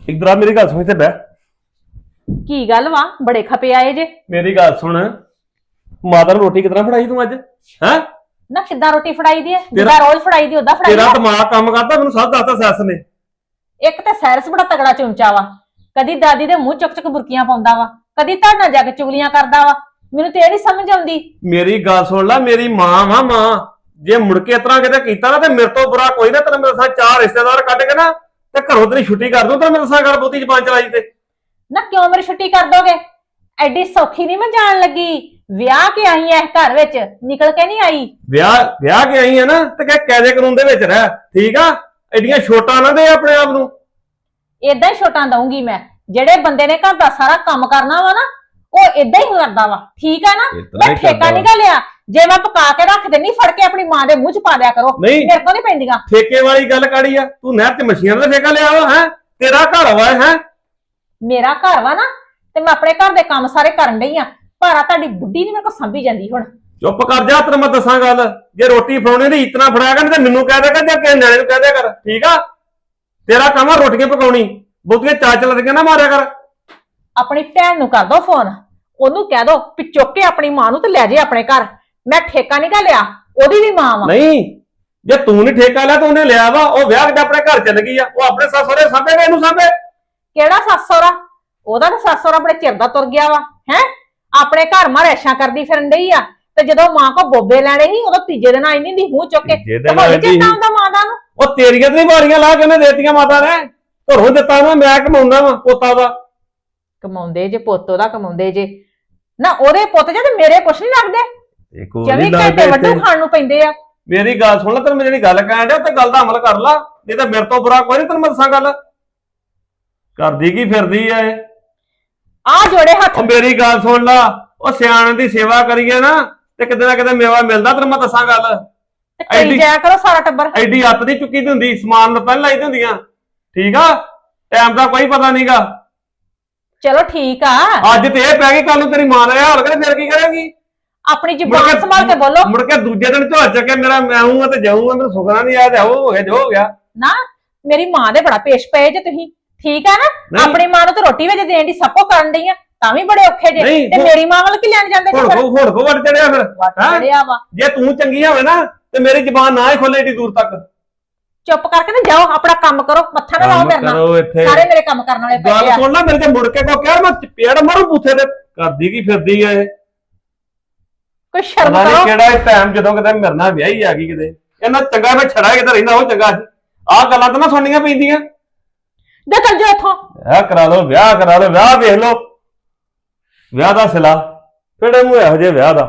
इधर आ मेरी गल सुन इत्थे बह की गल वा बड़े खपे आए जे। मेरी गल सुन माता ने रोटी कितना फड़ाई तू अज है ना किद्दां रोटी फड़ाई दी है जिद्दां रोज फड़ाई दी उद्दां फड़ाई तेरा है। दिमाग काम करता मैनू सब दसदा सैस ने एक ते सैरस बड़ा तगड़ा चुमचा वा कदी दादी दे मुंह चुक चुक बुरकियां पाउंदा वा कदी ताड़ना जाके चुगलियां करदा वा मैनू ते नहीं समझ आउंदी। मेरी गल सुन ला मेरी मां वा मां जे मुड़के इतना किते कीता ना ते मेरे तो बुरा कोई ना तेरे मेरे साथ चार रिश्तेदार कट के ना ते घरों तेरी छुट्टी कर दूं ते मेरे साथ घर बहुती जबान चलाई ते ना क्यों मेरी छुट्टी कर दोगे एडी सौखी नहीं मैं जान लगी विआह के आई है घर विच निकल के नहीं आई। ब्याह ब्याह के आई है ना ते कह कैदे कानून दे विच रह ठीक आ एडियां छोटा ना दे अपने आप नू इदां ही छोटा दूंगी मैं जेड़े बंदे ने घर दा सारा काम करना वा ना वो इदां ही करदा वा ठीक है ना। मैं ठेका नहीं गा लिया जे मैं पका के रख देनी फड़ के अपनी मां दे मुंह च पा दिया करो मेरे को नहीं पैंदियां। ठेके वाली गल काड़ी आ तू नहर ते मछलियां दा ठेका लिया वा है तेरा घर वा है मेरा घर वा ना ते मैं अपने घर दे काम सारे करन डई आ पर आ तुहाडी बुड्ढी नहीं मेरे को संभी जांदी हुण। चुप कर जा तेरे मैं दसां गल जे रोटी फड़ाउणी दी इतना फड़ाया कर ते मैनू कह दे कर जे किसे न्याणे नू कह दिया कर ठीक आ तेरा काम आ रोटियां पकाउणी बहुतियां चाचल लगियां ना मारिया कर। अपनी भैन नू कर दो फोन ओनू कह दो कि चुक के अपनी मां नू ते ले जे अपने घर मैं ठेका नहीं गा लिया ओदी भी मां वा। नहीं जे तू नहीं ठेका लिया तो उन्हें लिया वा ओ ब्याह के अपने घर चल गई आ ओ अपने सस सहुरे सांभेगा इनू सांभे केड़ा सस सहुरा ओदा ते सस सहुरा बड़े चिर दा तुर गया वा है अपने घर मां रैशां करदी फिरन डई आ ते जदों मां को बोबे लैणे ही उदों तीजे दिन आई नहीं दी मुंह चुक के ते होई चेता हुंदा मां दा नू ओ तेरियां ते वारियां ला के ने देतियां माता ने घरों दित्ता ना मैं कमाउंदा वा पोता वा कमाउंदे जे पोतो दा कमाउंदे जे ना ओदे पुੱਤ जे ते मेरे कुछ नहीं लगदे 24 घंटे वड्डू खाण नू पैंदे आ। मेरी गल सुन ला तेरे मैं जेहड़ी गल कहण डया ते गल दा अमल कर ला नहीं तां मेरे तो बुरा कोई नहीं तेरे मैं दसां गल करदी की फिरदी ऐ आ जोड़े हत्थ ओ मेरी गल सुन ला ओ सियाणे दी सेवा करिए ना ते किते ना किते मेवा मिलदा तेरे मैं दसां गल ते कई जाया करो सारा टब्बर एडी हत्थ दी चुकी दी हुंदी समान लत्तां लाई दी हुंदियां ठीक आ टाइम दा कोई पता नहींगा। चलो ठीक आ अज ते ए पै गई कल नूं तेरी मां दा हाल करे फिर की करेगी अपनी जुबान संभाल के बोलो मुड़ के दूजे दिन झोल चके मेरा मैं हूं ते जाऊंगा मेरे सुखना नहीं आया हो गया जो हो गया ना मेरी मां दे बड़ा पेश पे जे तुही ठीक है ना अपनी मां नूं तो रोटी वेज देण दी सब को करन डई आ तां भी बड़े औखे जे ते मेरी मां वल की लैण जांदे हुण को वट चढ़िया फिर चढ़िया वा जे तू चंगी होवे ना ते मेरी जुबान ना ही खोले एडी दूर तक चुप करके ना जाओ अपना काम करो मत्था ना लाओ मेरे नाल सारे मेरे काम करन वाले पे गल सुन ला मेरे ते मुड़ के को क्या मैं पेड़ मारू बूथे ते करदी की फिरदी ऐ कोई शर्म पता नहीं करो केड़ा टाइम जदों किते मेरे नाल विआही आ गई किते इन्ना चंगा मैं छड़ा किते रहिंदा हो चंगा आ गल्लां तां ना सुननियां पैंदियां जा चल जाओ इथों विआह करा लो विआह वेख लो विआह दा सिला किहड़े मूंह इहो जे विआह दा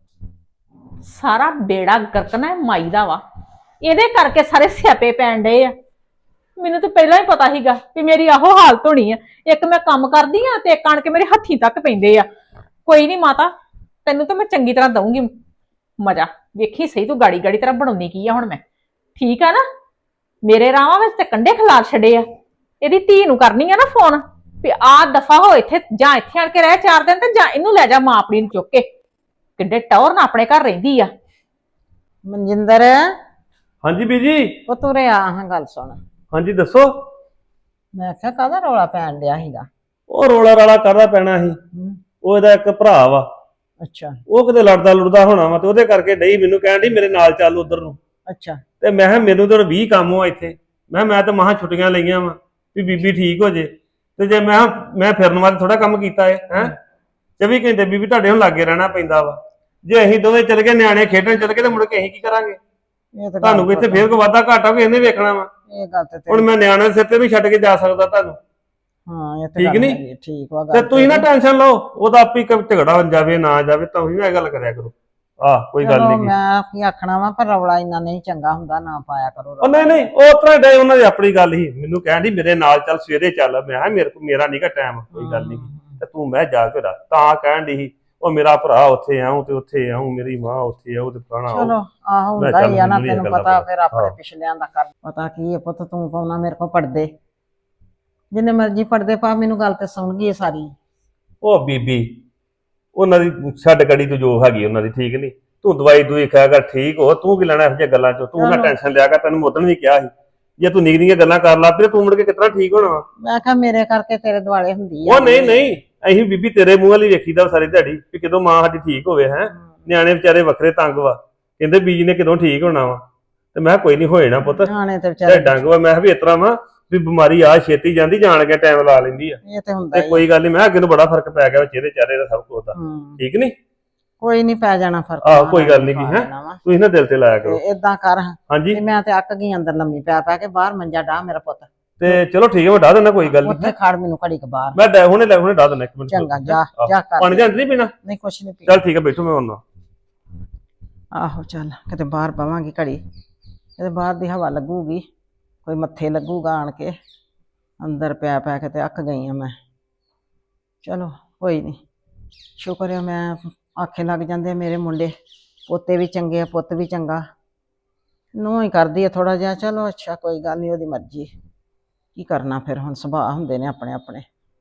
सारा बेड़ा गरकना माई दा वा ਇਹਦੇ ਕਰਕੇ ਸਾਰੇ ਸਿਆਪੇ ਪੈਣ ਡਏ ਆ ਮੈਨੂੰ ਤਾਂ ਪਹਿਲਾਂ ਹੀ ਪਤਾ ਸੀਗਾ ਕਿ ਮੇਰੀ ਆਹੋ ਹਾਲਤ ਹੋਣੀ ਆ ਇੱਕ ਮੈਂ ਕੰਮ ਕਰਦੀ ਆ ਤੇ ਇੱਕ ਆਣ ਕੇ ਮੇਰੇ ਹੱਥੀਂ ਤੱਕ ਪੈਂਦੇ ਆ। ਕੋਈ ਨਹੀਂ ਮਾਤਾ ਤੈਨੂੰ ਤਾਂ ਮੈਂ ਚੰਗੀ ਤਰ੍ਹਾਂ ਦਊਂਗੀ ਮਜ਼ਾ ਵੇਖੀ ਸਹੀ ਤੂੰ ਗਾੜੀ ਗਾੜੀ ਤਰ੍ਹਾਂ ਬਣਾਉਣੀ ਕੀ ਆ ਹੁਣ ਮੈਂ ਠੀਕ ਆ ਨਾ ਮੇਰੇ ਰਾਵਾਂ ਵਿੱਚ ਤੇ ਕੰਡੇ ਖਿਲਾਰ ਛੱਡੇ ਆ ਇਹਦੀ ਧੀ ਨੂੰ ਕਰਨੀ ਆ ਨਾ ਫੋਨ ਵੀ ਆ ਦਫਾ ਹੋ ਇੱਥੇ ਜਾਂ ਇੱਥੇ ਆਣ ਕੇ ਰਹਿ 4 ਦਿਨ ਤੇ ਜਾਂ ਇਹਨੂੰ ਲੈ ਜਾ ਮਾਂ ਆਪਣੀ ਨੂੰ ਚੁੱਕ ਕੇ ਕਿੱਡੇ ਟੌਰ ਨਾ ਆਪਣੇ ਘਰ ਰਹਿੰਦੀ ਆ। ਮਨਜਿੰਦਰ हाँ जी बीजी ਉਹ ਤੁਰੇ ਆ ਹਾਂ ਗੱਲ ਸੁਣ हाँ जी दसो ਮੈਂ ਕਿਹਾ ਕਾਹਦਾ ਰੌਲਾ ਪੈਣ ਡਿਆ ਸੀਗਾ ਉਹ ਰੋਲਾ ਰਾਲਾ ਕਰਦਾ ਪੈਣਾ ਸੀ ਉਹ ਇਹਦਾ ਇੱਕ ਭਰਾ ਵਾ ਅੱਛਾ ਉਹ ਕਿਤੇ ਲੜਦਾ ਲੁੜਦਾ ਹੋਣਾ ਵਾ ਤੇ ਉਹਦੇ ਕਰਕੇ ਡਈ ਮੈਨੂੰ ਕਹਿਣ ਡਈ ਮੇਰੇ ਨਾਲ ਚੱਲ ਉਧਰ ਨੂੰ ਅੱਛਾ ਤੇ ਮੈਂ ਕਿਹਾ ਮੈਨੂੰ ਤਾਂ 20 ਕੰਮ ਹੋ ਇੱਥੇ ਮੈਂ ਤਾਂ ਮਹਾ ਛੁੱਟੀਆਂ ਲਈਆਂ ਵਾ ਵੀ ਬੀਬੀ ਠੀਕ ਹੋ ਜੇ ਤੇ ਜੇ ਮੈਂ ਫਿਰਨ ਵਾਸਤੇ ਥੋੜਾ ਕੰਮ ਕੀਤਾ ਹੈ 24 ਘੰਟੇ ਬੀਬੀ ਤੁਹਾਡੇ ਹੁਣ ਲਾਗੇ ਰਹਿਣਾ ਪੈਂਦਾ ਵਾ ਜੇ ਅਸੀਂ ਦੋਵੇਂ ਚੱਲ ਗਏ ਨਿਆਣੇ ਖੇਡਣ ਚੱਲ ਗਏ ਤੇ ਮੁੜ ਕੇ ਅਸੀਂ ਕੀ ਕਰਾਂਗੇ ਤੁਹਾਨੂੰ ਕੋਈ ਇੱਥੇ ਫੇਰ ਕੋ ਵਾਧਾ ਘਾਟਾ ਕੋਈ ਇਹਨੇ ਵੇਖਣਾ ਵਾ ਇਹ ਗੱਲ ਤੇ ਹੁਣ ਮੈਂ ਨਿਆਣੇ ਸਿਰ ਤੇ ਵੀ ਛੱਡ ਕੇ ਜਾ ਸਕਦਾ ਤੁਹਾਨੂੰ ਹਾਂ ਇਹ ਠੀਕ ਨਹੀਂ ਠੀਕ ਵਾ ਤੇ ਤੁਸੀਂ ਨਾ ਟੈਨਸ਼ਨ ਲਓ ਉਹਦਾ ਆਪੇ ਝਗੜਾ ਜਾਵੇ ਨਾ ਜਾਵੇ ਤਾਂ ਵੀ ਇਹ ਗੱਲ ਕਰਿਆ ਕਰੋ ਕੋਈ ਗੱਲ ਨਹੀਂ ਮੈਂ ਕੀ ਆਖਣਾ ਵਾ ਪਰ ਰੌਲਾ ਇੰਨਾ ਨਹੀਂ ਚੰਗਾ ਹੁੰਦਾ ਨਾ ਪਾਇਆ ਕਰੋ ਉਹ ਨਹੀਂ ਉਹ ਤਰ੍ਹਾਂ ਡੇ ਉਹਨਾਂ ਦੀ ਆਪਣੀ ਗੱਲ ਹੀ ਮੈਨੂੰ ਕਹਿਣ ਦੀ ਮੇਰੇ ਨਾਲ ਚੱਲ ਸਵੇਰੇ ਚੱਲ ਮੈਂ ਕਿਹਾ ਮੇਰਾ ਨਹੀਂਗਾ ਟਾਈਮ ਕੋਈ ਗੱਲ ਨਹੀਂ ਤੇ ਤੂੰ ਮੈਂ ਜਾ ਕੇ ਤਾਂ ਕਹਿਣ ਦੀ ਉਹ ਮੇਰਾ ਭਰਾ ਉੱਥੇ ਆਉਂ ਤੇ ਉੱਥੇ ਆਉਂ ਮੇਰੀ ਮਾਂ ਉੱਥੇ ਆਉ ਤੇ ਪੁਰਾਣਾ ਚਲੋ ਆਹ ਹੁੰਦਾ ਹੀ ਆ ਨਾ ਤੈਨੂੰ ਪਤਾ ਫਿਰ ਆਪਣੇ ਪਿਛਲਿਆਂ ਦਾ ਕਰ ਪਤਾ ਕੀ ਹੈ ਪੁੱਤ ਤੂੰ ਪਾਉਣਾ ਮੇਰੇ ਕੋਲ ਪੜਦੇ ਜਿੰਨੇ ਮਰਜ਼ੀ ਪੜਦੇ ਪਾ ਮੈਨੂੰ ਗੱਲ ਤੇ ਸੁਣ ਗਈ ਸਾਰੀ ਉਹ ਬੀਬੀ ਉਹਨਾਂ ਦੀ ਛੱਡ ਕੜੀ ਤੂੰ ਜੋ ਹੈਗੀ ਉਹਨਾਂ ਦੀ ਠੀਕ ਨਹੀਂ ਤੂੰ ਦਵਾਈ ਦੂਈ ਖਾਇਆ ਕਰ ਠੀਕ ਹੋ ਤੂੰ ਕੀ ਲੈਣਾ ਇਹੋ ਜਿਹੀਆਂ ਗੱਲਾਂ ਚੋਂ ਤੂੰ ਨਾ ਟੈਨਸ਼ਨ ਲਿਆ ਕਰ ਤੈਨੂੰ ਉਦੋਂ ਵੀ ਕਿਹਾ ਸੀ ਜੇ ਤੂੰ ਨਿੱਕੀਆਂ ਗੱਲਾਂ ਕਰ ਲਾ ਤੇ ਤੂੰ ਮੁੜ ਕੇ ਕਿਤਨਾ ਠੀਕ ਹੋਣਾ ਵਾ। ਮੈਂ ਕਿਹਾ ਮੇਰੇ ਕਰਕੇ ਤੇਰੇ ਦੁਆਲੇ ਹੁੰਦੀ ਉਹ ਨਹੀਂ ਅਸੀਂ ਬੀਬੀ ਤੇਰੇ ਮੂੰਹ ਵਾਲੀ ਵੇਖੀਦਾ ਸਾਰੀ ਦਿਹਾੜੀ ਵੀ ਕਿਦੋਂ ਮਾਂ ਸਾਡੀ ਠੀਕ ਹੋਵੇ ਹੈ। ਨਿਆਣੇ ਵਿਚਾਰੇ ਵੱਖਰੇ ਤੰਗ ਵਾ, ਕਹਿੰਦੇ ਬੀਜੀ ਨੇ ਕਿਦੋਂ ਠੀਕ ਹੋਣਾ ਵਾ, ਤੇ ਮੈਂ ਕੋਈ ਨਹੀਂ ਹੋਏ ਨਾ ਪੁੱਤ ਨਿਆਣੇ ਤੇ ਤੇ ਵਿਚਾਰੇ ਡੰਗ ਵਾ। ਮੈਂ ਕਿਹਾ ਵੀ ਇਸ ਤਰ੍ਹਾਂ ਵਾ ਵੀ ਬਿਮਾਰੀ ਆ ਛੇਤੀ ਜਾਂਦੀ, ਜਾਣ ਕੇ ਟਾਈਮ ਲਾ ਲੈਂਦੀ ਆ। ਇਹ ਤੇ ਹੁੰਦਾ ਤੇ ਕੋਈ ਗੱਲ ਨਹੀਂ, ਮੈਂ ਅੱਗੇ ਨੂੰ ਬੜਾ ਫਰਕ ਪੈ ਗਿਆ ਚਿਹਰੇ ਚਾਰੇ ਦਾ ਸਭ ਕੁਝ ਦਾ, ਠੀਕ ਨਹੀਂ? ਕੋਈ ਨਹੀਂ ਪੈ ਜਾਣਾ ਫਰਕ। ਆਹੋ ਕੋਈ ਗੱਲ ਨਹੀਂ ਹੈ, ਤੁਸੀਂ ਨਾ ਦਿਲ ਤੇ ਲਾਇਆ ਕਰੋ। ਏਦਾਂ ਕਰ ਹਾਂਜੀ ਤੇ ਮੈਂ ਤੇ ਅੱਕ ਗਈ ਅੰਦਰ ਲੰਮੀ ਪੈ ਕੇ, ਬਾਹਰ ਮੰਜਾ ਡਾ ਮੇਰਾ ਪੁੱਤ। ਤੇ ਚਲੋ ਠੀਕ ਹੈ, ਮੈਂ ਡਾ ਦਿੰਦਾ, ਕੋਈ ਗੱਲ ਉੱਥੇ ਨਹੀਂ। ਖੜ ਮੈਨੂੰ ਘੜੀ ਕ ਬਾਹਰ। ਮੈਂ ਹੁਣੇ ਡਾ ਦਿੰਦਾ, ਇੱਕ ਮਿੰਟ। ਚੰਗਾ ਜਾ ਕਰ। ਪਾਣੀ ਜਾਂ ਨਹੀਂ ਪੀਣਾ? ਨਹੀਂ ਕੁਛ ਨਹੀਂ ਪੀ। ਚੱਲ ਠੀਕ ਹੈ, ਬੈਠੋ ਮੈਂ ਆਉਣਾ। ਆਹੋ ਚੱਲ ਕਿਤੇ ਬਾਹਰ ਬਵਾਂਗੀ ਘੜੀ, ਕਿਤੇ ਬਾਹਰ ਦੀ ਹਵਾ ਲੱਗੂਗੀ, ਕੋਈ ਮੱਥੇ ਲੱਗੂਗਾ ਆਣ ਕੇ। ਅੰਦਰ ਪੈ ਕੇ ਤੇ ਅੱਕ ਗਈ ਆ ਮੈਂ। ਚਲੋ ਕੋਈ ਨਹੀਂ, ਸ਼ੁਕਰ ਹੈ ਮੈਂ ਆਖੇ ਲੱਗ ਜਾਂਦੇ ਆ ਮੇਰੇ ਮੁੰਡੇ। ਪੋਤੇ ਵੀ ਚੰਗੇ ਆ, ਪੁੱਤ ਵੀ ਚੰਗਾ, ਨੂੰਹ ਹੀ ਕਰਦੀ ਆ ਥੋੜਾ ਜਿਹਾ। ਚਲੋ ਅੱਛਾ ਕੋਈ ਗੱਲ ਨਹੀਂ, ਉਹਦੀ ਮਰਜ਼ੀ, ਕੀ ਕਰਨਾ ਫਿਰ, ਹੁਣ ਸੁਭਾਅ ਹੁੰਦੇ ਨੇ ਆਪਣੇ ਆਪਣੇ।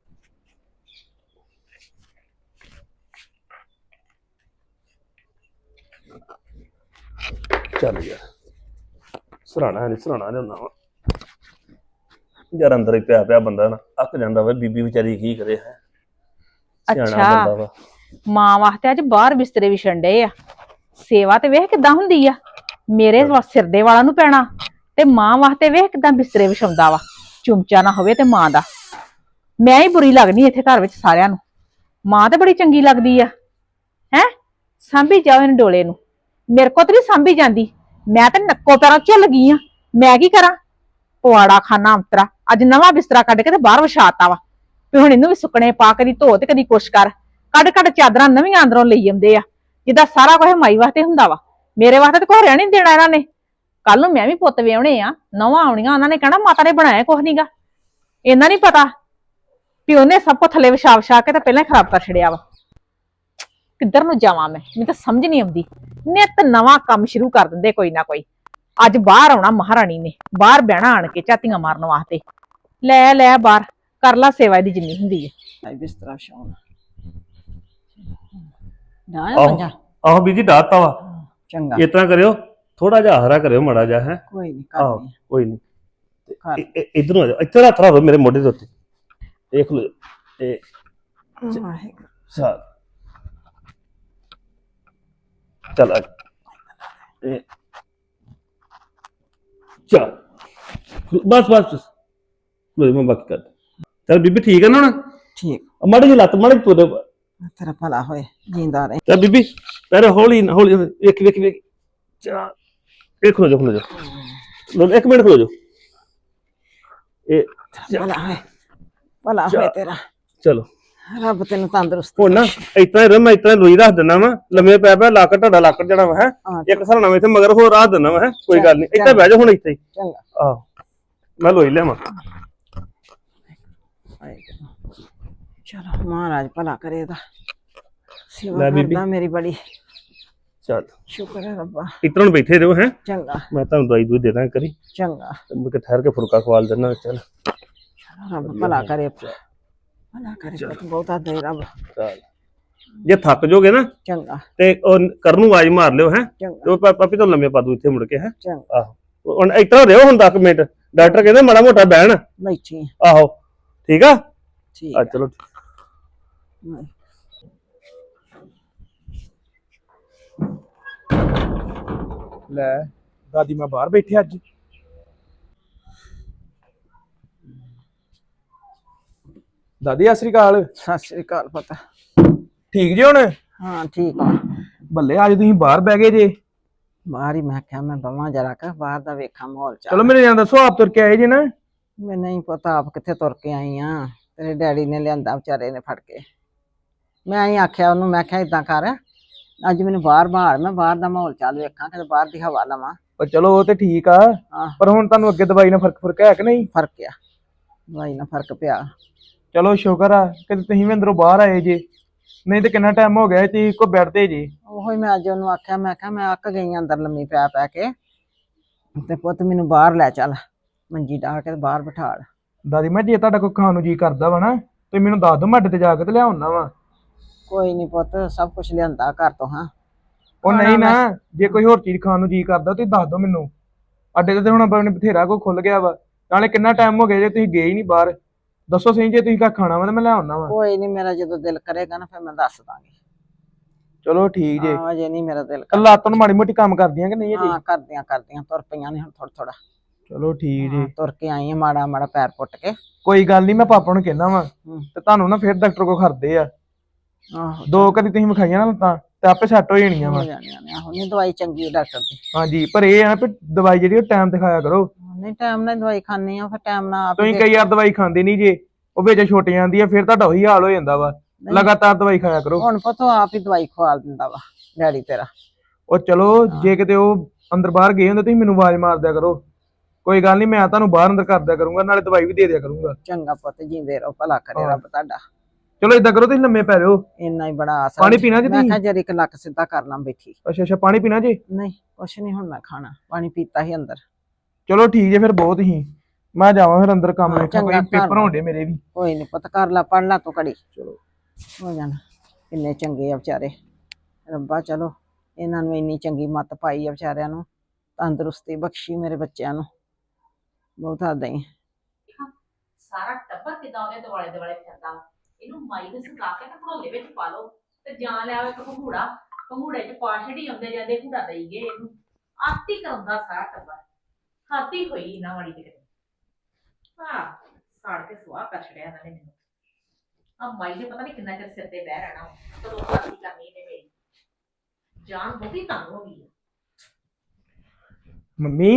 ਚੱਲ ਯਾਰ, ਸਰਾਣਾ ਨਹੀਂ ਹੁੰਦਾ ਵਾ ਯਾਰ, ਅੰਦਰ ਹੀ ਪਿਆ ਬੰਦਾ ਨਾ ਅੱਕ ਜਾਂਦਾ ਵਾ। ਬੀਬੀ ਵਿਚਾਰੀ ਕੀ ਕਰੇ ਹੈ, ਸਿਆਣਾ ਬੰਦਾ ਵਾ। ਮਾਂ ਵਾਸਤੇ ਅੱਜ ਬਾਹਰ ਬਿਸਤਰੇ ਵਿਛਣ ਡਏ ਆ। ਸੇਵਾ ਤੇ ਵੇਖ ਕਿੱਦਾਂ ਹੁੰਦੀ ਆ, ਮੇਰੇ ਸਿਰ ਦੇ ਵਾਲਾਂ ਨੂੰ ਪੈਣਾ, ਤੇ ਮਾਂ ਵਾਸਤੇ ਵੇਖ ਕਿੱਦਾਂ ਬਿਸਤਰੇ ਵਿਛਾਉਂਦਾ ਵਾ। ਚੁੰਮਚਾ ਨਾ ਹੋਵੇ ਤੇ ਮਾਂ ਦਾ। ਮੈਂ ਹੀ ਬੁਰੀ ਲੱਗਣੀ ਇੱਥੇ ਘਰ ਵਿੱਚ ਸਾਰਿਆਂ ਨੂੰ, ਮਾਂ ਤੇ ਬੜੀ ਚੰਗੀ ਲੱਗਦੀ ਆ। ਹੈ ਸਾਂਭੀ ਜਾਓ ਇਹਨੂੰ ਡੋਲੇ ਨੂੰ, ਮੇਰੇ ਕੋਲ ਤੇ ਨਹੀਂ ਸਾਂਭੀ ਜਾਂਦੀ। ਮੈਂ ਤੇ ਨੱਕੋ ਪੈਰਾਂ ਝੁੱਲ ਗਈ ਆ। ਮੈਂ ਕੀ ਕਰਾਂ, ਪਵਾੜਾ ਖਾਨਾ ਅੰਤਰਾ। ਅੱਜ ਨਵਾਂ ਬਿਸਤਰਾ ਕੱਢ ਕੇ ਤੇ ਬਾਹਰ ਵਿਛਾਤਾ ਵਾ, ਵੀ ਹੁਣ ਇਹਨੂੰ ਵੀ ਸੁੱਕਣੇ ਪਾ, ਕਦੀ ਧੋ ਤੇ ਕਦੀ ਕੁਛ ਕਰ। ਕੱਢ ਚਾਦਰਾਂ ਨਵੀਆਂ ਅੰਦਰੋਂ ਲਈ ਆਉਂਦੇ ਆ, ਜਿੱਦਾਂ ਸਾਰਾ ਕੁਝ ਮਾਈ ਵਾਸਤੇ ਹੁੰਦਾ ਵਾ। ਮੇਰੇ ਵਾਸਤੇ ਤਾਂ ਕੁਛ ਰਹਿਣ ਨਹੀਂ ਦੇਣਾ ਇਹਨਾਂ ਨੇ। ਕੱਲ ਨੂੰ ਮੈਂ ਵੀ ਪੁੱਤ ਵਿਆਹੁਣੇ ਆ, ਨਵਾਂ ਆਉਣੀਆਂ, ਉਹਨਾਂ ਨੇ ਕਹਿਣਾ ਮਾਤਾ ਨੇ ਬਣਾਇਆ ਕੁਛ ਨੀਗਾ। ਇਹਨਾਂ ਨਹੀਂ ਪਤਾ ਵੀ ਉਹਨੇ ਸਭ ਕੁਝ ਥੱਲੇ ਵਿਛਾ ਕੇ ਤਾਂ ਪਹਿਲਾਂ ਹੀ ਖਰਾਬ ਕਰ ਛੜਿਆ ਵਾ। ਕਿੱਧਰ ਨੂੰ ਜਾਵਾਂ ਮੈਂ, ਮੈਨੂੰ ਤਾਂ ਸਮਝ ਨਹੀਂ ਆਉਂਦੀ। ਨਿੱਤ ਨਵਾਂ ਕੰਮ ਸ਼ੁਰੂ ਕਰ ਦਿੰਦੇ ਕੋਈ ਨਾ ਕੋਈ। ਅੱਜ ਬਾਹਰ ਆਉਣਾ ਮਹਾਰਾਣੀ ਨੇ, ਬਾਹਰ ਬਹਿਣਾ ਆਣ ਕੇ ਝਾਤੀਆਂ ਮਾਰਨ ਵਾਸਤੇ। ਲੈ ਬਾਹਰ ਕਰ ਲਾ ਸੇਵਾ ਦੀ ਜਿੰਨੀ ਹੁੰਦੀ ਹੈ। ਬਿਸਤਰਾ ਵਿਛਾਉਣਾ ਨਾ ਆਹੋ ਬੀਜੀ ਡਾਤਾ ਵਾ। ਚੰਗਾ ਇਸ ਤਰ੍ਹਾਂ ਕਰਿਓ, ਥੋੜਾ ਜਿਹਾ ਹਰਾ ਕਰਿਓ ਮਾੜਾ ਜਿਹਾ ਹੈ। ਕੋਈ ਨਹੀਂ ਆਹੋ ਕਰਦੀ ਕੋਈ ਨਹੀਂ। ਇਧਰੋਂ ਆ ਜਾ, ਇੱਥੇ ਹੱਥ ਰੱਖ ਮੇਰੇ ਮੋਢੇ ਦੇ ਉੱਤੇ, ਦੇਖ ਲਓ ਇਹ ਚੱਲ ਚੱਲ ਬਸ ਮੈਂ ਬਾਕੀ ਕਰ। ਚੱਲ ਬੀਬੀ ਠੀਕ ਹੈ ਨਾ ਹੁਣ? ਠੀਕ। ਮਾੜੀ ਜਿਹੀ ਲੱਤ ਮਾੜੀ ਤੁਰ। ਤੇਰਾ ਭਲਾ ਹੋਏ, ਜਿੰਦਾ ਰਹੇ। ਚੱਲ ਬੀਬੀ ਪਹਿਲੇ ਹੌਲੀ ਵੇਖ ਚਾ ਇਹ ਖਲੋ ਜਾ ਇੱਕ ਮਿੰਟ ਖਲੋ ਜਾ। ਇਹ ਭਲਾ ਹੋਏ ਤੇਰਾ। ਚਲੋ ਰੱਬ ਤੈਨੂੰ ਤੰਦਰੁਸਤ। ਹੁਣ ਨਾ ਮੈਂ ਇਤਨਾ ਲੋਈ ਰੱਖ ਦਿੰਦਾ ਵਾ, ਲੰਮੇ ਪੈ ਲੱਕ ਤੁਹਾਡਾ ਲੱਕ ਜਿਹੜਾ ਵਾ ਹੈ ਇੱਕ ਸਰਾਣਾ ਵਿੱਚ ਮਗਰ ਹੋਰ ਰੱਖ ਦਿੰਦਾ ਵਾ ਹੈ। ਕੋਈ ਗੱਲ ਨਹੀਂ, ਇੱਥੇ ਬਹਿ ਜਾ ਹੁਣ ਇੱਥੇ ਹੀ। ਚੰਗਾ ਆਹੋ ਮੈਂ ਲੋਈ ਲਿਆਵਾਂ। ਚਲੋ ਮਹਾਰਾਜ ਭਲਾ ਕਰੇ ਇਹਦਾ, ਸੇਵਾ ਕਰਦਾ ਮੇਰੀ ਬੜੀ। ਚੱਲ ਸ਼ੁਕਰ ਹੈ ਰੱਬਾ। ਇਤਨਾ ਬੈਠੇ ਰਹੋ ਹੈ। ਚੰਗਾ ਮੈਂ ਤੁਹਾਨੂੰ ਦਵਾਈ ਦੂਈ ਦੇ ਦਾਂ ਕਰੀ। ਚੰਗਾ ਮੁੜ ਠਹਿਰ ਕੇ ਫੁਲਕਾ ਖਵਾਲ ਦੇਣਾ। ਚੱਲ ਰੱਬ ਭਲਾ ਕਰੇ, ਭਲਾ ਕਰੇ, ਬਹੁਤਾ ਦੇ ਰੱਬ। ਚੱਲ ਜੇ ਥੱਕ ਜਾਓਗੇ ਨਾ ਚੰਗਾ ਤੇ ਉਹ ਕਰਨ ਨੂੰ ਆਵਾਜ਼ ਮਾਰ ਲਿਓ ਹੈ। ਚੰਗਾ ਉਹ ਪਾਪੀ ਤੋਂ ਲੰਮੇ ਪਾ ਦੂ ਇੱਥੇ ਮੁੜ ਕੇ ਹੈ। ਚੰਗਾ ਆਹੋ ਹੁਣ ਇਤਨਾ ਰਹੋ ਹੁਣ 10 ਮਿੰਟ, ਡਾਕਟਰ ਕਹਿੰਦੇ ਮਾੜਾ ਮੋਟਾ ਬਹਿਣ। ਬੈਠੀ ਆਹੋ ਠੀਕ ਆ। ਠੀਕ ਚਲੋ ਲੈ ਦਾਦੀ ਮੈਂ ਬਾਹਰ ਬੈਠੀ ਅੱਜ। ਦਾਦੀ ਸਤਿ ਸ੍ਰੀ ਅਕਾਲ। ਸਤਿ ਸ੍ਰੀ ਅਕਾਲ ਪਤਾ। ਠੀਕ ਜੀ ਹੁਣ? ਹਾਂ ਠੀਕ ਆ। ਬੱਲੇ ਅੱਜ ਤੁਸੀਂ ਬਾਹਰ ਬਹਿ ਗਏ ਜੇ। ਬਾਹਰ ਹੀ ਮੈਂ ਕਿਹਾ ਮੈਂ ਬਵਾਂ ਜਰਾ ਕ ਬਾਹਰ ਦਾ ਵੇਖਾਂ ਮਾਹੌਲ ਚਲੋ ਮੈਨੂੰ ਜਾਂ ਦੱਸੋ, ਆਪ ਤੁਰ ਕੇ ਆਏ ਜੇ ਨਾ? ਮੈਨੂੰ ਨਹੀਂ ਪਤਾ ਆਪ ਕਿੱਥੇ ਤੁਰ ਕੇ ਆਈ ਆ, ਤੇਰੇ ਡੈਡੀ ਨੇ ਲਿਆਂਦਾ ਵਿਚਾਰੇ ਨੇ ਫੜ ਕੇ। ਮੈਂ ਹੀ ਆਖਿਆ ਉਹਨੂੰ, ਮੈਂ ਕਿਹਾ ਇਦਾਂ ਕਰ ਅੱਜ ਮੈਨੂੰ ਬਾਹਰ ਬਾਹਰ, ਮੈਂ ਬਾਹਰ ਦਾ ਮਾਹੌਲ ਚੱਲ ਵੇਖਾਂ, ਕਿਤੇ ਬਾਹਰ ਦੀ ਹਵਾ ਲਵਾਂ। ਪਰ ਚਲੋ ਉਹ ਤੇ ਠੀਕ ਆ, ਪਰ ਹੁਣ ਤੁਹਾਨੂੰ ਅੱਗੇ ਦਵਾਈ ਨਾਲ ਫਰਕ ਹੈ ਕਿ ਨਹੀਂ? ਫਰਕ ਆ, ਦਵਾਈ ਨਾਲ ਫਰਕ ਪਿਆ। ਚਲੋ ਸ਼ੁਕਰ ਆ ਕਿ ਤੁਸੀਂ ਵੀ ਅੰਦਰੋਂ ਬਾਹਰ ਆਏ ਜੇ, ਨਹੀਂ ਤੇ ਕਿੰਨਾ ਟਾਈਮ ਹੋ ਗਿਆ ਤੁਸੀਂ ਇੱਕੋ ਬੈਠ ਤੇ ਜੇ। ਉਹੋ ਹੀ ਮੈਂ ਅੱਜ ਉਹਨੂੰ ਆਖਿਆ, ਮੈਂ ਕਿਹਾ ਮੈਂ ਅੱਕ ਗਈ ਅੰਦਰ ਲੰਮੀ ਪੈ ਕੇ, ਤੇ ਪੁੱਤ ਮੈਨੂੰ ਬਾਹਰ ਲੈ ਚੱਲ, ਮੰਜੀ ਢਾ ਕੇ ਬਾਹਰ ਬਿਠਾ। ਦਾਦੀ ਮੈਂ ਜੇ ਤੁਹਾਡਾ ਕੋਈ ਖਾਣ ਨੂੰ ਜੀ ਕਰਦਾ ਵਾ ਨਾ ਤੇ ਮੈਨੂੰ ਦੱਸ ਦਿਓ, ਮੈਂ ਅੱਡੇ ਤੇ ਜਾ ਕੇ ਤੇ ਲਿਆਉਣਾ ਵਾ। ਕੋਈ ਨਹੀਂ ਪੁੱਤ, ਸਭ ਕੁਝ ਲਿਆਂਦਾ ਘਰ ਤੋਂ। ਹਾਂ ਉਹ ਨਹੀਂ ਨਾ, ਜੇ ਕੋਈ ਹੋਰ ਚੀਜ਼ ਖਾਣ ਨੂੰ ਜੀ ਕਰਦਾ ਤੁਸੀਂ ਦੱਸ ਦਿਓ ਮੈਨੂੰ। ਅੱਡੇ ਤੇ ਹੁਣ ਆਪਣੇ ਬਥੇਰਾ ਕੋ ਖੁੱਲ ਗਿਆ ਵਾ। ਨਾਲੇ ਕਿੰਨਾ ਟਾਈਮ ਹੋ ਗਿਆ ਜੇ ਤੁਸੀਂ ਗਏ ਹੀ ਨਹੀਂ ਬਾਹਰ। ਦੱਸੋ ਸਹੀ, ਜੇ ਤੁਸੀਂ ਕਾ ਖਾਣਾ ਵਾ ਤਾਂ ਮੈਂ ਲੈ ਆਉਣਾ ਵਾ। ਕੋਈ ਨਹੀਂ, ਮੇਰਾ ਜਦੋਂ ਦਿਲ ਕਰੇਗਾ ਨਾ ਫਿਰ ਮੈਂ ਦੱਸ ਦਾਂਗੀ। ਚਲੋ ਠੀਕ ਜੇ। ਹਾਂ, ਅਜੇ ਨਹੀਂ ਮੇਰਾ ਦਿਲ ਕੱਲਾ ਤੋਂ ਮਾੜੀ ਮੋਟੀ ਕੰਮ ਕਰਦੀਆਂ ਕਿ ਨਹੀਂ ਅਜੇ? ਹਾਂ, ਕਰਦੀਆਂ ਤੁਰ ਪਈਆਂ ਨੇ ਹੁਣ ਥੋੜਾ ਥੋੜਾ। ਚਲੋ ਠੀਕ ਜੇ। ਤੁਰ ਕੇ ਆਈ ਆ ਮਾੜਾ ਮਾੜਾ ਪੈਰ ਪੁੱਟ ਕੇ। ਕੋਈ ਗੱਲ ਨਹੀਂ, ਮੈਂ ਪਾਪਾ ਨੂੰ ਕਹਿਣਾ ਵਾ ਤੇ ਤੁਹਾਨੂੰ ਨਾ ਫਿਰ ਡਾਕਟਰ ਕੋ ਖੜਦੇ ਆ। ਆਹੋ, 2 ਕਦੀ ਤੁਸੀਂ ਵਿਖਾਈਆਂ ਨਾ ਲੱਤਾਂ ਤੇ ਆਪੇ ਸੈੱਟ ਹੋ ਜਾਣੀਆਂ ਹੋ ਵਾ। ਜਾਣੀਆਂ ਨੇ। ਆਹੋ, ਨਹੀਂ ਦਵਾਈ ਚੰਗੀ ਹੈ ਡਾਕਟਰ ਦੀ। ਹਾਂਜੀ, ਪਰ ਇਹ ਆ ਨਾ ਵੀ ਦਵਾਈ ਜਿਹੜੀ ਉਹ ਟਾਈਮ ਤੇ ਖਾਇਆ ਕਰੋ। ਨਹੀਂ, ਟਾਈਮ ਨਾਲ ਦਵਾਈ ਖਾਣੀ ਆ, ਫਿਰ ਟਾਈਮ ਨਾਲ ਆਪ ਤੁਸੀਂ ਕਈ ਵਾਰ ਦਵਾਈ ਖਾਂਦੇ ਨਹੀਂ ਜੇ, ਉਹ ਵਿੱਚ ਛੁੱਟ ਜਾਂਦੀ ਆ, ਫਿਰ ਤੁਹਾਡਾ ਉਹੀ ਹਾਲ ਹੋ ਜਾਂਦਾ ਵਾ। ਲਗਾਤਾਰ ਦਵਾਈ ਖਾਇਆ ਕਰੋ। ਹੁਣ ਪਤਾ ਆਪ ਹੀ ਦਵਾਈ ਖਵਾ ਦਿੰਦਾ ਵਾ ਡੈਡੀ ਤੇਰਾ। ਉਹ ਚਲੋ, ਜੇ ਕਿਤੇ ਉਹ ਅੰਦਰ ਬਾਹਰ ਗਏ ਹੁੰਦੇ ਤੁਸੀਂ ਮੈਨੂੰ ਆਵਾਜ਼ ਮਾਰ ਦਿਆ ਕਰੋ। ਕੋਈ ਗੱਲ ਨਹੀਂ, ਮੈਂ ਤੁਹਾਨੂੰ ਬਾਹਰ ਅੰਦਰ ਕਰ ਦਿਆ ਕਰੂੰਗਾ, ਨਾਲੇ ਦਵਾਈ ਵੀ ਦੇ ਦਿਆ ਕਰੂੰਗਾ। ਚੰਗਾ ਪੁੱਤ, ਜਿੰਦੇ ਰਹੋ, ਭਲਾ ਕਰੇ ਰੱਬ ਤੁਹਾਡਾ। ਚਲੋ ਏਦਾਂ ਕਰੋ, ਤੁਸੀਂ ਲੰਮੇ ਪੈ ਜਾਓ। ਇੰਨਾ ਹੀ ਬੜਾ ਆਸਰਾ। ਪਾਣੀ ਪੀਣਾ ਜੀ ਮੈਂ ਤੁਸੀਂ? ਕਿਹਾ ਜਰੀ ਇੱਕ ਲੱਕ ਸਿੱਧਾ ਕਰ ਲਾਂ ਬੈਠੀ। ਅੱਛਾ ਅੱਛਾ, ਪਾਣੀ ਪੀਣਾ ਜੀ? ਨਹੀਂ ਕੁਛ ਨਹੀਂ, ਹੁਣ ਮੈਂ ਖਾਣਾ। ਪਾਣੀ ਪੀਤਾ ਹੀ ਅੰਦਰ। ਚਲੋ ਠੀਕ ਜੇ, ਫਿਰ ਬਹੁਤ ਹੀ ਮੈਂ ਜਾਵਾਂ ਫਿਰ ਅੰਦਰ ਕੰਮ ਹਾਂ, ਵੇਖਾਂ, ਕੋਈ ਚੰਗਾ, ਘਰ ਪੇਪਰ ਹੋਣਦੇ ਮੇਰੇ ਵੀ। ਕੋਈ ਨਹੀਂ ਪੁੱਤ, ਕਰ ਲਾ, ਪੜ ਲਾ ਤੂੰ ਘੜੀ। ਚਲੋ। ਹੋ ਜਾਣਾ। ਕਿੰਨੇ ਚੰਗੇ ਆ ਵਿਚਾਰੇ। ਰੱਬਾ ਚਲੋ ਇਹਨਾਂ ਨੂੰ ਇੰਨੀ ਚੰਗੀ ਮੱਤ ਪਾਈ ਆ ਵਿਚਾਰਿਆਂ ਨੂੰ, ਤੰਦਰੁਸਤੀ ਬਖਸ਼ੀ ਮੇਰੇ ਬੱਚਿਆਂ ਨੂੰ। ਬਹੁਤ ਹੱਦਾਂ ਹੀ। ਸਾਰਾ ਟੱਬਰ ਕਿਦਾਂ ਉਹਦੇ ਦੁਆਲੇ ਦੁਆਲੇ ਫਿਰਦਾ। ਇਹਨੂੰ ਮਾਈ ਦੇ ਸੁਕਾ ਕੇ ਤੇ ਭੜੋਲੇ ਵਿੱਚ ਪਾ ਲਓ ਤੇ ਜਾਂ ਲਿਆਓ ਇੱਕ ਘੂੜਾ, ਘੂੜੇ ਚ ਪਾ ਛੜੀ ਆਉਂਦੇ ਜਾਂਦੇ ਘੂੜਾ ਦੇਈ ਗਏ ਇਹਨੂੰ। ਆਤੀ ਕਰਾਉਂਦਾ ਸਾਰਾ ਟੱਬਰ। ਖਾਤੀ ਹੋਈ ਇਹਨਾਂ ਵਾਲੀ ਤੇ ਕਿਤੇ। ਹਾਂ, ਸਾੜ ਕੇ ਸੁਆਹ ਕਰ ਛੜਿਆ ਇਹਨਾਂ ਨੇ ਮੈਨੂੰ। ਆ ਮਾਈ ਨੇ ਪਤਾ ਨਹੀਂ ਕਿੰਨਾ ਚਿਰ ਸਿਰ ਤੇ ਬਹਿ ਰਹਿਣਾ, ਕਦੋਂ ਖਾਤੀ ਕਰਨੀ ਇਹਨੇ ਮੇਰੀ। ਜਾਨ ਬਹੁਤੀ ਤੰਗ ਹੋ ਗਈ ਆ। ਮੰਮੀ,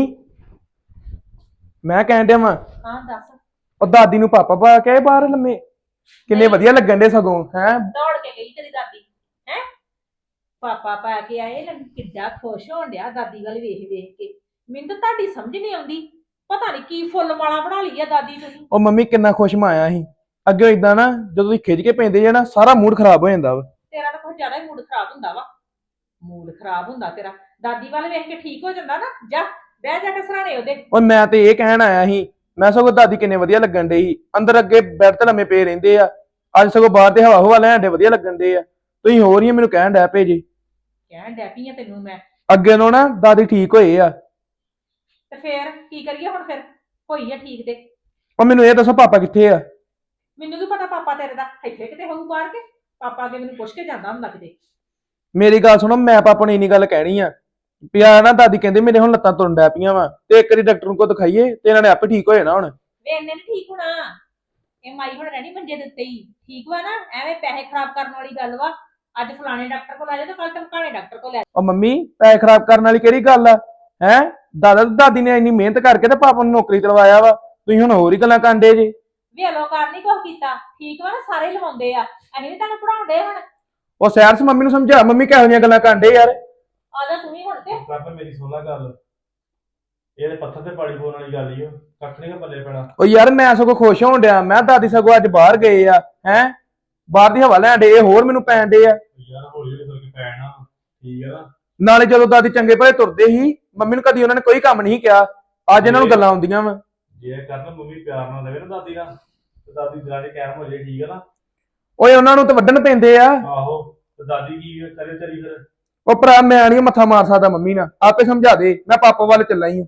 ਮੈਂ ਕਹਿਣ ਡਿਆ ਵਾਂ, ਹਾਂ ਦੱਸ। ਉਹ ਦਾਦੀ ਨੂੰ ਪਾਪਾ ਪਾ ਕੇ ਆਏ ਬਾਹਰ ਲੰਮੇ, ਕਿੰਨੇ ਨਹੀਂ। ਵਧੀਆ ਲੱਗਣ ਡੇ ਸਗੋਂ। ਹੈ ਦੌੜ ਕੇ ਗਈ ਤੇਰੀ ਦਾਦੀ। ਹੈ ਪਾਪਾ ਪਾ ਕੇ ਆਏ, ਕਿੱਡਾ ਖੁਸ਼ ਹੋਣ ਡਿਆ ਦਾਦੀ ਵੱਲ ਵੇਖ ਵੇਖ ਕੇ। ਮੈਨੂੰ ਤਾਂ ਤੁਹਾਡੀ ਸਮਝ ਨਹੀਂ ਆਉਂਦੀ, ਪਤਾ ਨਹੀਂ ਕੀ ਫੁੱਲ ਮਾਲਾ ਬਣਾ ਲਈ ਆ ਦਾਦੀ ਤੁਸੀਂ। ਉਹ ਮੰਮੀ ਕਿੰਨਾ ਖੁਸ਼ ਮਾਇਆ ਸੀ ਅੱਗੇ। ਇਦਾਂ ਨਾ ਜਦੋਂ ਤੁਸੀਂ ਖਿੱਚ ਕੇ ਪੈਂਦੇ ਜੇ ਨਾ, ਸਾਰਾ ਮੂਡ ਖਰਾਬ ਹੋ ਜਾਂਦਾ ਵਾ। ਤੇਰਾ ਤਾਂ ਕੁਝ ਜ਼ਿਆਦਾ ਹੀ ਮੂਡ ਖਰਾਬ ਹੁੰਦਾ ਵਾ। ਮੂਡ ਖਰਾਬ ਹੁੰਦਾ ਤੇਰਾ। ਦਾਦੀ ਵੱਲ ਵੇਖ ਕੇ ਠੀਕ ਹੋ ਜਾਂਦਾ ਨਾ। ਜਾ ਬਹਿ ਜਾ ਕੇ ਸਰਾਣੇ ਉਹਦੇ। ਉਹ ਮੈਂ ਤੇ ਇਹ ਕਹਿਣ ਆਇਆ ਸੀ, ਮੈਂ ਸਗੋਂ ਦਾਦੀ ਕਿੰਨੇ ਵਧੀਆ ਲੱਗਣ ਡੇ ਸੀ। ਅੰਦਰ ਅੱਗੇ ਬੈੱਡ ਤੇ ਲੰਮੇ ਪਏ ਰਹਿੰਦੇ ਆ, ਅੱਜ ਸਗੋਂ ਬਾਹਰ ਤੇ ਹਵਾ ਹਵਾ ਲੈਣ ਡੇ, ਵਧੀਆ ਲੱਗਣ ਡੇ ਆ। ਤੁਸੀਂ ਹੋਰ ਹੀ ਮੈਨੂੰ ਕਹਿਣ ਡੈ ਪਏ ਜੀ। ਕਹਿਣ ਡੈ ਪਈ ਆ ਤੈਨੂੰ ਮੈਂ। ਅੱਗੇ ਨੂੰ ਨਾ ਦਾਦੀ ਠੀਕ ਹੋਏ ਆ। ਤੇ ਫੇਰ ਕੀ ਕਰੀਏ ਹੁਣ? ਫਿਰ ਹੋਈ ਆ ਠੀਕ ਤੇ। ਉਹ ਮੈਨੂੰ ਇਹ ਦੱਸੋ ਪਾਪਾ ਕਿੱਥੇ ਆ? ਮੈਨੂੰ ਕੀ ਪਤਾ ਪਾਪਾ ਤੇਰੇ ਦਾ ਇੱਥੇ ਕਿਤੇ ਹੋਊ ਬਾਹਰ ਕੇ। ਪਾਪਾ ਅੱਗੇ ਮੈਨੂੰ ਪੁੱਛ ਕੇ ਜਾਂਦਾ ਹੁੰਦਾ ਕਿਤੇ। ਮੇਰੀ ਗੱਲ ਸੁਣੋ, ਮੈਂ ਪਾਪਾ ਨੂੰ ਇੰਨੀ ਗੱਲ ਕਹਿਣੀ ਆ ਵੀ ਆ ਨਾ ਦਾਦੀ ਕਹਿੰਦੇ ਮੇਰੇ ਹੁਣ ਲੱਤਾਂ ਤੁਰਨ ਡੈ ਪਈਆਂ ਵਾ, ਤੇ ਇੱਕ ਵਾਰੀ ਡਾਕਟਰ ਨੂੰ ਕੋ ਦਿਖਾਈਏ ਤੇ ਇਹਨਾਂ ਨੇ ਆਪੇ ਠੀਕ ਹੋ ਜਾਣਾ ਹੁਣ। ਵੇ ਇਹਨੇ ਨੀ ਠੀਕ ਹੋਣਾ। ਇਹ ਮਾਈ ਹੁਣ ਰਹਿਣੀ ਮੰਜੇ ਦੇ ਉੱਤੇ ਹੀ। ਠੀਕ ਵਾ ਨਾ? ਐਵੇਂ ਪੈਸੇ ਖਰਾਬ ਕਰਨ ਵਾਲੀ ਗੱਲ ਵਾ। ਅੱਜ ਫਲਾਣੇ ਡਾਕਟਰ ਕੋਲ ਲੈ ਜਾ ਤੇ ਕੱਲ ਟਮਕਾਣੇ ਡਾਕਟਰ ਕੋਲ ਲੈ ਜਾ। ਉਹ ਮੰਮੀ, ਪੈਸੇ ਖਰਾਬ ਕਰਨ ਵਾਲੀ ਕਿਹੜੀ ਗੱਲ ਆ? ਹੈ ਦਾਦਾ ਤੇ ਦਾਦੀ ਨੇ ਇੰਨੀ ਮਿਹਨਤ ਕਰਕੇ ਤੇ ਪਾਪਾ ਨੂੰ ਨੌਕਰੀ ਦਿਲਵਾਇਆ ਵਾ, ਤੁਸੀਂ ਹੁਣ ਹੋਰ ਹੀ ਗੱਲਾਂ ਕਾਂਡੇ ਜੇ। ਵੇ ਅਲੋਕਾਰ ਨੀ ਕੁਛ ਕੀਤਾ। ਠੀਕ ਵਾ ਨਾ? ਸਾਰੇ ਲਵਾਉਂਦੇ ਆ। ਅਸੀਂ ਵੀ ਤੁਹਾਨੂੰ ਪੜਾਉਂਦੇ ਹੁਣ। ਉਹ ਸੈਰਸ ਮੰਮੀ ਨੂੰ ਸਮਝਾ, ਮੰਮੀ ਕਿਹੋ ਜਿਹੀਆਂ ਗੱਲਾਂ ਕਾਂਡੇ ਯਾਰ। ਆ ਜਾ ਤੂੰ ਵੀ ਹੁਣ ਤੇ। ਕਰ ਮੇਰੀ ਸੁਣ ਲੈ ਗੱਲ, ਇਹਦੇ ਪੱਥਰ ਤੇ ਪਾਣੀ ਪਾਉਣ ਵਾਲੀ ਗੱਲ ਹੀ ਉਹ ਕੱਖ ਨੀ ਪੱਲੇ ਪੈਣਾ। ਉਹ ਯਾਰ ਮੈਂ ਸਗੋਂ ਖੁਸ਼ ਹੋਣ ਡਿਆ, ਮੈਂ ਦਾਦੀ ਸਗੋਂ ਅੱਜ ਬਾਹਰ ਗਏ ਆ। ਹੈ ਬਾਹਰ ਦੀ ਹਵਾ ਲੈਣ ਡੇ, ਇਹ ਹੋਰ ਮੈਨੂੰ ਪੈਣ ਡੇ ਆ। ਯਾਰ ਹੌਲੀ ਹੌਲੀ ਕਰਕੇ ਪੈਣਾ, ਠੀਕ ਹੈ ਨਾ? ਨਾਲੇ ਜਦੋਂ ਦਾਦੀ ਚੰਗੇ ਭਲੇ ਤੁਰਦੇ ਸੀ, ਮੰਮੀ ਨੂੰ ਕਦੀ ਉਹਨਾਂ ਨੇ ਕੋਈ ਕੰਮ ਨਹੀਂ ਕਿਹਾ। ਅੱਜ ਇਹਨਾਂ ਨੂੰ ਗੱਲਾਂ ਆਉਂਦੀਆਂ ਵਾ। ਜੇ ਕਰਨ ਮੰਮੀ ਪਿਆਰ ਨਾਲ ਦੇਵੇ ਨਾ ਦਾਦੀ ਨਾਲ, ਤੇ ਦਾਦੀ ਦਿਲਾਂ 'ਚ ਕਾਇਮ ਹੋ ਜਾਏ, ਠੀਕ ਹੈ ਨਾ? ਓਏ ਉਹਨਾਂ ਨੂੰ ਤਾਂ ਵੱਢਣ ਪੈਂਦੇ ਆ। ਆਹੋ, ਤੇ ਦਾਦੀ ਕੀ ਕਰੇ ਤੇਰੀ ਫਿਰ? ਉਹ ਭਰਾ ਮੈਂ ਨਹੀਂ ਮੱਥਾ ਮਾਰ ਸਕਦਾ ਮੰਮੀ ਨਾਲ, ਆਪੇ ਸਮਝਾ ਦੇ, ਮੈਂ ਪਾਪਾ ਵੱਲ ਚੱਲਾ ਹੀ।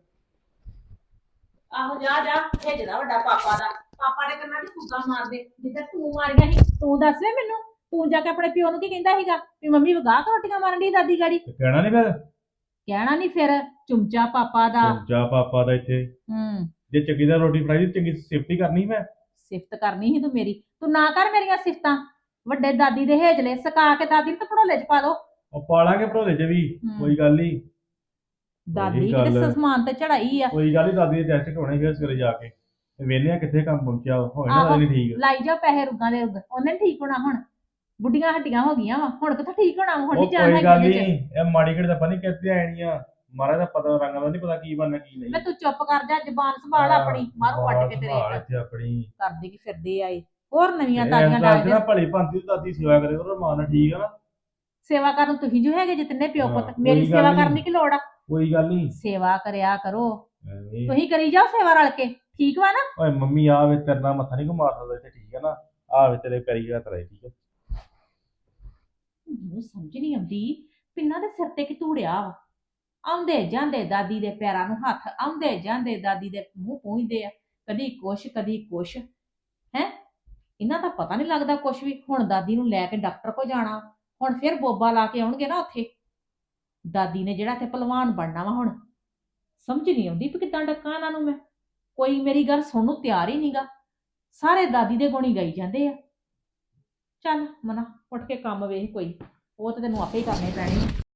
ਆਹੋ ਜਾ ਜਾ, ਭੇਜਦਾ ਵੱਡਾ ਪਾਪਾ ਦਾ। ਪਾਪਾ ਨੇ ਕੰਨਾਂ 'ਚ ਫੁੱਗਾ ਮਾਰਦੇ ਜਿੱਦਾਂ ਤੂੰ ਮਾਰੀਆਂ ਸੀ। ਤੂੰ ਦੱਸ ਵੇ ਮੈਨੂੰ, ਤੂੰ ਜਾ ਕੇ ਆਪਣੇ ਪਿਓ ਨੂੰ ਕੀ ਕਹਿੰਦਾ ਸੀਗਾ ਵੀ ਮੰਮੀ ਵਗਾਹ ਰੋਟੀਆਂ ਮਾਰਨ ਦੀ ਦਾਦੀ ਗਾੜੀ? ਕਹਿਣਾ ਨੀ ਫਿਰ? ਕਹਿਣਾ ਨਹੀਂ ਫਿਰ। ਚੁੰਮਚਾ ਪਾਪਾ ਦਾ। ਜਾ ਪਾਪਾ ਦਾ ਇੱਥੇ ਜੇ ਚੰਗੀ ਦਾ ਰੋਟੀ ਫੜਾਈ ਦੀ, ਚੰਗੀ ਸੇਫਟੀ ਕਰਨੀ ਮੈਂ। ਸਿਫਤ ਕਰਨੀ ਸੀ ਤੂੰ ਮੇਰੀ। ਤੂੰ ਨਾ ਕਰ ਮੇਰੀਆਂ ਸਿਫਤਾਂ। ਵੱਡੇ ਦਾਦੀ ਦੇ ਹੇਜਲੇ ਸਕਾ ਕੇ ਦਾਦੀ ਨੂੰ ਭੜੋਲੇ 'ਚ ਪਾ ਦੋ। ਉਹ ਪਾਲਾਂਗੇ ਭੜੋਲੇ 'ਚ ਵੀ, ਕੋਈ ਗੱਲ ਨਹੀਂ। ਦਾਦੀ ਉਹੀ ਕਿਤੇ ਗੱਲ। ਸਮਾਨ ਤੇ ਚੜਾਈ ਆ। ਕੋਈ ਗੱਲ ਨੀ, ਦਾਦੀ ਦੇ ਟੈਸਟ ਕਰਾਉਣੇ ਫਿਰ ਸਵੇਰੇ ਜਾ ਕੇ, ਤੇ ਵੇਖਦੇ ਆ ਕਿੱਥੇ ਕੰਮ ਪਹੁੰਚਿਆ, ਹੋਏ ਨਾ ਆਹੋ, ਦਾਦੀ ਨੀ ਠੀਕ। ਲਾਈ ਜਾ ਪੈਸੇ ਰੁੱਗਾਂ ਦੇ ਰੁੱਗ। ਉਹਨੇ ਨੀ ਠੀਕ ਹੋਣਾ ਹੁਣ। ਬੁੱਢੀਆਂ ਹੱਡੀਆਂ ਹੋ ਗਈਆਂ ਵਾ, ਹੁਣ ਕਿੱਥੋਂ ਠੀਕ ਹੋਣਾ ਵਾ? ਹੁਣ ਉਹ ਨਹੀਂ ਜਾਣ ਕੋਈ ਗੱਲ ਹੈਗੀ ਨੀ, ਉਹਦੇ 'ਚ। ਇਹ ਮਾੜੀ ਘੜੀ ਦਾ ਪਤਾ ਨੀ ਕਿੱਥੇ ਆਣੀਆਂ, ਮਹਾਰਾਜ ਦਾ ਪਤਾ, ਰੰਗ ਦਾ ਨੀ ਪਤਾ ਕੀ ਬਣਨਾ ਕੀ ਨਹੀਂ। ਮੈਂ ਤੂੰ ਚੁੱਪ ਕਰ ਜਾ, ਜ਼ਬਾਨ ਸੰਭਾਲ ਆਪਣੀ। ਮਾਰੂ ਵੱਟ ਕੇ ਤੇਰੇ ਸੰਭਾਲ ਇੱਕ। ਇੱਥੇ ਆਪਣੀ। ਕਰਦੇ ਕੀ ਫਿਰਦੇ ਆਏ ਹੋਰ ਨਵੀਆਂ ਇਹ ਤਾਜ਼ੀਆਂ ਗੱਲ 'ਚ ਡਾਲ ਨਾ ਦੇ। ਭਲੀ ਭਾਂਤੀ ਦਾਦੀ ਸੇਵਾ ਕਰੇ ਕਰੋ ਮਾਂ ਨਾਲ, ਠੀਕ ਆ ਨਾ? ਸੇਵਾ ਕਰਨ ਤੁਸੀਂ ਜੋ ਹੈਗੇ ਜਿਤਨੇ ਪਿਓ ਹਾਂ, ਪੁੱਤ, ਮੇਰੀ ਕੋਈ ਗੱਲ ਸੇਵਾ ਨੀ। ਕਰਨ ਦੀ ਕੀ ਲੋੜ ਆ? ਕੋਈ ਗੱਲ ਨਹੀਂ। ਸੇਵਾ ਕਰਿਆ ਕਰੋ। ਤੁਸੀਂ ਕਰੀ ਜਾਓ ਸੇਵਾ ਰਲ ਕੇ, ਠੀਕ ਵਾ ਨਾ? ਓਏ ਮੰਮੀ ਆ ਵੇ, ਤੇਰੇ ਨਾਲ ਮੱਥਾ ਨਹੀਂ ਘੁਮਾ ਸਕਦਾ ਇੱਥੇ, ਠੀਕ ਹੈ ਨਾ? ਆ ਵੇ ਤੇਰੇ ਪੈਰੀ ਹੱਥ ਰਾਈ, ਠੀਕ ਹੈ? ਮੈਨੂੰ ਸਮਝ ਨਹੀਂ ਆਉਂਦੀ ਪਿੰਨਾਂ ਦੇ ਸਿਰ ਤੇ ਕੀ ਧੂੜਿਆ ਵਾ। ਆਉਂਦੇ ਜਾਂਦੇ ਦਾਦੀ ਦੇ ਪੈਰਾਂ ਨੂੰ ਹੱਥ, ਆਉਂਦੇ ਜਾਂਦੇ ਦਾਦੀ ਦੇ ਮੂੰਹ ਪੂੰਝਦੇ ਆ, ਕਦੀ ਕੁਛ ਹੈ। ਇਹਨਾਂ ਦਾ ਪਤਾ ਨਹੀਂ ਲੱਗਦਾ ਕੁਛ ਵੀ। ਹੁਣ ਦਾਦੀ ਨੂੰ ਲੈ ਕੇ ਡਾਕਟਰ ਕੋਲ ਜਾਣਾ, ਹੁਣ ਫਿਰ ਬੋਬਾ ਲਾ ਕੇ ਆਉਣਗੇ ਨਾ ਉੱਥੇ। ਦਾਦੀ ਨੇ ਜਿਹੜਾ ਇੱਥੇ ਭਲਵਾਨ ਬਣਨਾ ਵਾ ਹੁਣ। ਸਮਝ ਨਹੀਂ ਆਉਂਦੀ ਵੀ ਕਿੱਦਾਂ ਡੱਕਾਂ ਇਹਨਾਂ ਨੂੰ ਮੈਂ। ਕੋਈ ਮੇਰੀ ਗੱਲ ਸੁਣਨ ਨੂੰ ਤਿਆਰ ਹੀ ਨਹੀਂਗਾ, ਸਾਰੇ ਦਾਦੀ ਦੇ ਗੁਣ ਹੀ ਗਾਈ ਜਾਂਦੇ ਆ। ਚੱਲ ਮਨਾ ਉੱਠ ਕੇ ਕੰਮ ਵੇਖ ਕੋਈ, ਉਹ ਤੇ ਤੈਨੂੰ ਆਪੇ ਹੀ ਕਰਨੇ ਪੈਣੇ ਆ।